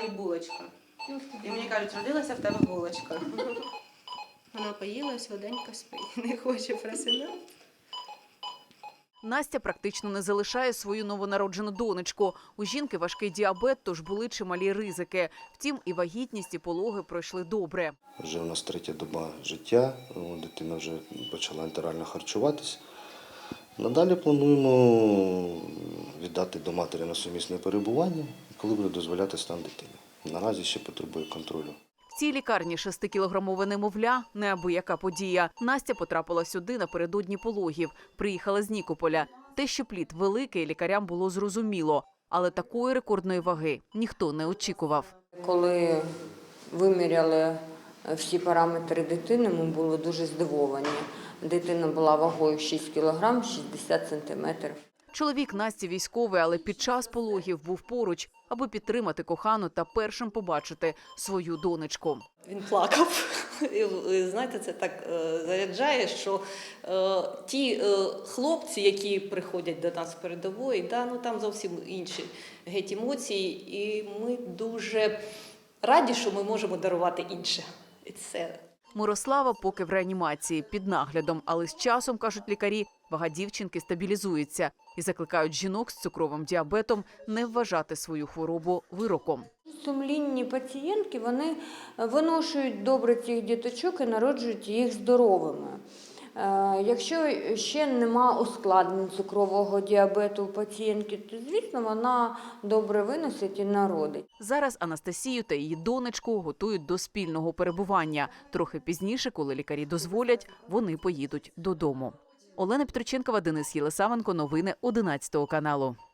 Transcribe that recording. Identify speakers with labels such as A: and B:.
A: і булочка. І мені кажуть, родилася в тебе булочка.
B: Вона поїла, сладенько спить, не хоче просинати.
C: Настя практично не залишає свою новонароджену донечку. У жінки важкий діабет, тож були чималі ризики. Втім, і вагітність, і пологи пройшли добре.
D: Вже у нас 3-я доба життя, дитина вже почала ентерально харчуватись. Надалі плануємо віддати до матері на сумісне перебування, коли буде дозволяти стан дитини. Наразі ще потребує контролю.
C: В цій лікарні 6-кілограмове немовля – неабияка подія. Настя потрапила сюди напередодні пологів. Приїхала з Нікополя. Те, що плід великий, лікарям було зрозуміло. Але такої рекордної ваги ніхто не очікував.
E: Коли виміряли всі параметри дитини, ми були дуже здивовані. Дитина була вагою 6 кг 60 сантиметрів.
C: Чоловік Насті військовий, але під час пологів був поруч, аби підтримати кохану та першим побачити свою донечку.
F: Він плакав. І, знаєте, це так заряджає, що ті хлопці, які приходять до нас з передової, там зовсім інші геть емоції. І ми дуже раді, що ми можемо дарувати інше. І це.
C: Мирослава поки в реанімації під наглядом, але з часом, кажуть лікарі, вага дівчинки стабілізується і закликають жінок з цукровим діабетом не вважати свою хворобу вироком.
E: Сумлінні пацієнтки, вони виношують добре цих діточок і народжують їх здоровими. Якщо ще нема ускладнень цукрового діабету у пацієнтки, то, звісно, вона добре виносить і народить.
C: Зараз Анастасію та її донечку готують до спільного перебування. Трохи пізніше, коли лікарі дозволять, вони поїдуть додому. Олена Петроченкова, Денис Єлисавенко. Новини 11 каналу.